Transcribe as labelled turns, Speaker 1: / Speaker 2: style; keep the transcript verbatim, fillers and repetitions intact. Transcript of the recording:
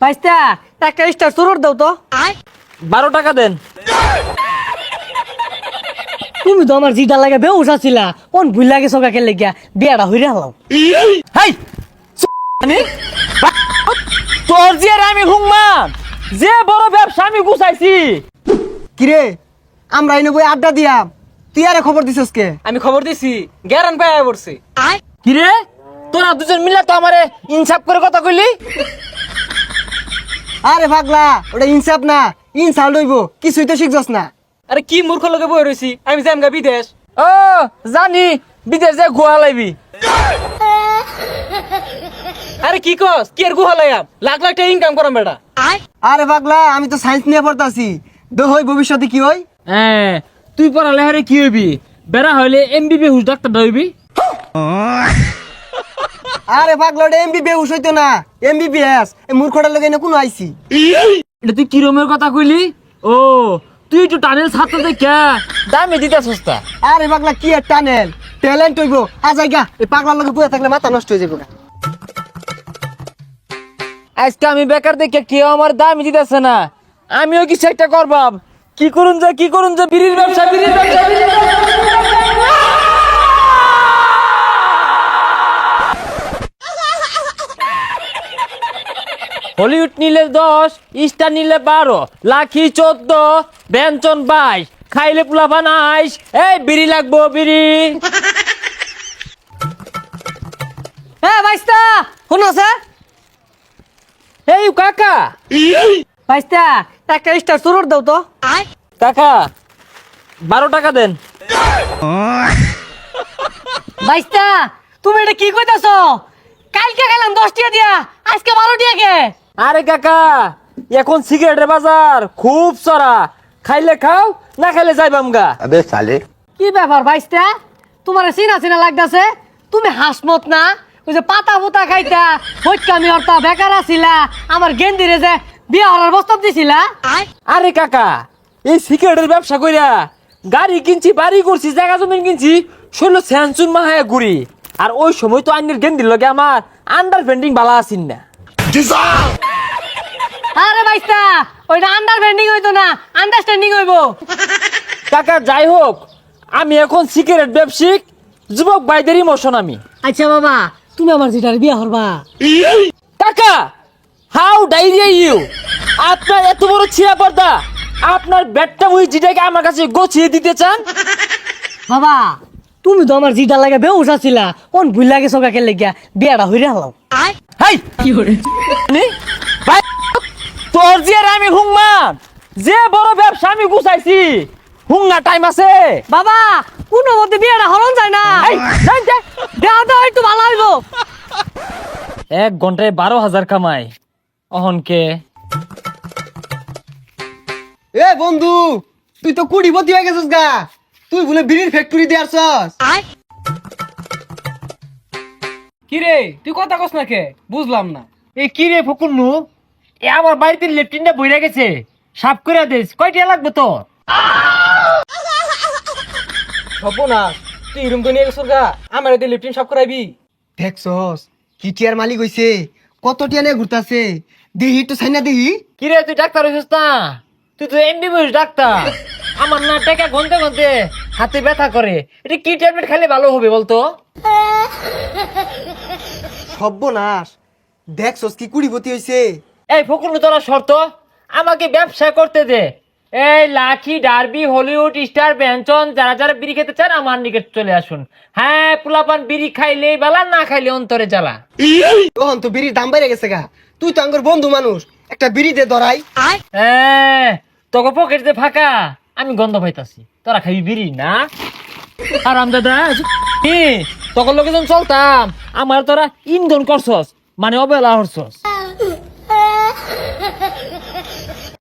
Speaker 1: ভাইস্তা একটা স্টার চুরুর দাও তো।
Speaker 2: বারো টাকা দেন।
Speaker 1: তুমি তো আমার জিটা লাগে বেউস আছিলা, কোন ভুল লাগে সকাকে লেগিয়া বিয়াটা হইরে হলাম।
Speaker 2: হাই তোর যে আর আমি হুংমান যে বড় ব্যবসা আমি গুছাইছি।
Speaker 3: কিরে আমরা এনে বই আড্ডা দিয়াম, তুই আরে খবর দিছস কে?
Speaker 2: আমি খবর দিছি গ্যারান পাই পড়ছি। কিরে তোরা দুজন মিলে তো আমারে ইনসাফ করে কথা কইলি।
Speaker 3: আরে পাগলা, ওটা ইনসাফ না, ইনসাল লইব, কিছুই তো শিখছস না।
Speaker 2: আরে কি মূর্খ লোকে বই রইছি, আমি যাম গা বিদেশ। ও জানি বিদেশ যে গুহা লাইবি। আরে কি কস কি আর গুহা লাইয়াম, লাখ লাখ টাকা ইনকাম করাম বেটা।
Speaker 3: আরে পাগলা, আমি তো সায়েন্স নিয়ে পড়তাছি, দো হই ভবিষ্যতে কি হই?
Speaker 2: হ্যাঁ তুই পড়ালেখারে কি হইবি, বেড়া হইলে এমবিবি হুস ডাক্তার হইবি।
Speaker 3: আরে পাগলা, ওটা এমবিবিএস হইতো না, এমবিবিএস। এই মূর্খটার লগে এনে কোন আইছি?
Speaker 2: এটা তুই কিরমের কথা কইলি? ও তুই একটু টানেল ছাত্র দেখা দামে দিতে সস্তা।
Speaker 3: আরে পাগলা, কি আর টানেল, ট্যালেন্ট হইব। আ জায়গা এই পাগলার লগে বইয়া থাকলে মাথা নষ্ট হয়ে যাবে।
Speaker 2: আজকে আমি বেকার দেখে কেউ আমার দামই দিতেছে না, আমিও কিছু একটা করবাম। কি করুন যে কি করুন যে বিড়ির ব্যবসা বিড়ির ব্যবসা বিড়ির ব্যবসা। হলিউড নিলে দশ, স্টার নিলে বারো, লাখি চোদ্দ, ব্যঞ্জন বাইশ, খাইলে পোলাপান আইস। এই বিড়ি লাগবো বিড়ি।
Speaker 1: হ্যাঁ ভাইস্তা শুনো স্যার।
Speaker 2: এই কাকা
Speaker 1: ভাইস্তা একটা স্টার চুরুর দাও তো।
Speaker 2: কাকা বারো টাকা দেন।
Speaker 1: ভাইস্তা তুমি এটা কি কইতাছ? কালকে গেলাম দশ টাকা দিয়া, আজকে বারো টাকা কে?
Speaker 2: আরে কাকা এখন সিগারেটের বাজার খুব চড়া, খাইলে খাও না খাইলে যাইবাম গা।
Speaker 4: अबे साले
Speaker 1: কি ব্যাপার ভাইস্তা, তোমার চিনা চিনা লাগতাছে? তুমি হাসমত না, ওই যে পাতা পুতা খাইতা হইকামি হরতা বেকার আছিলা, আমার গেন্দিরে যে বিয়া হওয়ার প্রস্তাব দিছিলা।
Speaker 2: আরে কাকা এই সিগারেটের ব্যবসা কইরা গাড়ি কিনছি, বাড়ি করছি, জায়গা জমি কিনছি, ষোলো স্যানসুন মাহায়া ঘুরি। আর ওই সময় তো আইনের গেন্দির লগে আমার আন্ডার পেন্টিং বালা আসিন না।
Speaker 1: আরে ভাইস্তা ওইটা আন্ডারস্ট্যান্ডিং হইতো না, আন্ডারস্ট্যান্ডিং হইবো।
Speaker 2: কাকা যাই হোক, আমি এখন সিগারেট ব্যবসায়িক যুবক বাইদের ইমোশন আমি।
Speaker 1: আচ্ছা বাবা, তুমি আমার যেটার বিয়া হরবা।
Speaker 2: কাকা হাউ ডাইরিয়া ইউ, আপনার এত বড় ছিয়া পর্দা, আপনার ব্যাটটা ওই জিটাকে আমার কাছে গোছিয়ে দিতে চান?
Speaker 1: বাবা তুমি তো আমার জিটা লাগে বেউস আছিলা, কোন ভুল লাগে সকাকে লেগিয়া বিয়াটা হইরে হলাম।
Speaker 2: হাই কি করে ভাই, তোর যে আর আমি হুংমান যে বড় ব্যবসা আমি গুছাইছি, হুঙ্গা টাইম আছে?
Speaker 1: বাবা কোন মধ্যে বিয়াটা হরণ যায় না,
Speaker 2: এই, যাই, যাই।
Speaker 1: দেওয়া তো একটু ভালো হইব।
Speaker 2: এক ঘন্টায় বারো হাজার কামাই অহনকে।
Speaker 3: এ বন্ধু, তুই তো কুড়িপতি হয়ে গেছিস গা, তুই বলে বিড়ির ফ্যাক্টরি দিয়ে আসছস।
Speaker 2: কিরে তুই কথা কস না কে, বুঝলাম না। এই কিরে ফকুন্নু, এ আমার বাড়িতে লেফটিনটা বইরা গেছে, সাফ করে দিস। কয়টা লাগবে তো?
Speaker 3: হব না, তুই রুম তো নিয়ে গেছিস গা, আমার এতে লিফটিন সব করাইবি। দেখছস কি টিয়ার মালিক হইছে, কত টিয়া নিয়ে ঘুরতাছে, দেহি তো সাইনা দেহি।
Speaker 2: কিরে তুই ডাক্তার হইছিস না? তুই তো এমবিবিএস ডাক্তার। আমার না টাকা গনতে গনতে হাতে ব্যথা করে, এটা কি ট্যাবলেট খেলে ভালো হবে বলতো?
Speaker 3: সর্বনাশ, দেখছস কি কুড়িপতি হইছে।
Speaker 2: এই ফকুন্নু তোরা শর্ত আমাকে ব্যবসা করতে দে। এই লাখি ডার্বি হলিউড স্টার ব্যঞ্জন যারা যারা বিড়ি খেতে চান আমার নিকট চলে আসুন। হ্যাঁ পোলাপান বিড়ি খাইলে বালা, না খাইলে অন্তরে জ্বালা।
Speaker 3: তখন তো বিড়ির দাম বেড়ে গেছে গা, তুই তো আঙ্গর বন্ধু মানুষ, একটা বিড়ি দে ধরাই।
Speaker 2: হ্যাঁ তোকে পকেট দিয়ে ফাঁকা, আমি গন্ধ পাইতাছি, তোরা খাবি বিড়ি না? আর দাদা তোকে লোকে যখন চলতাম আমার তোরা ইন্ধন করছস, মানে অবহেলা হরছস।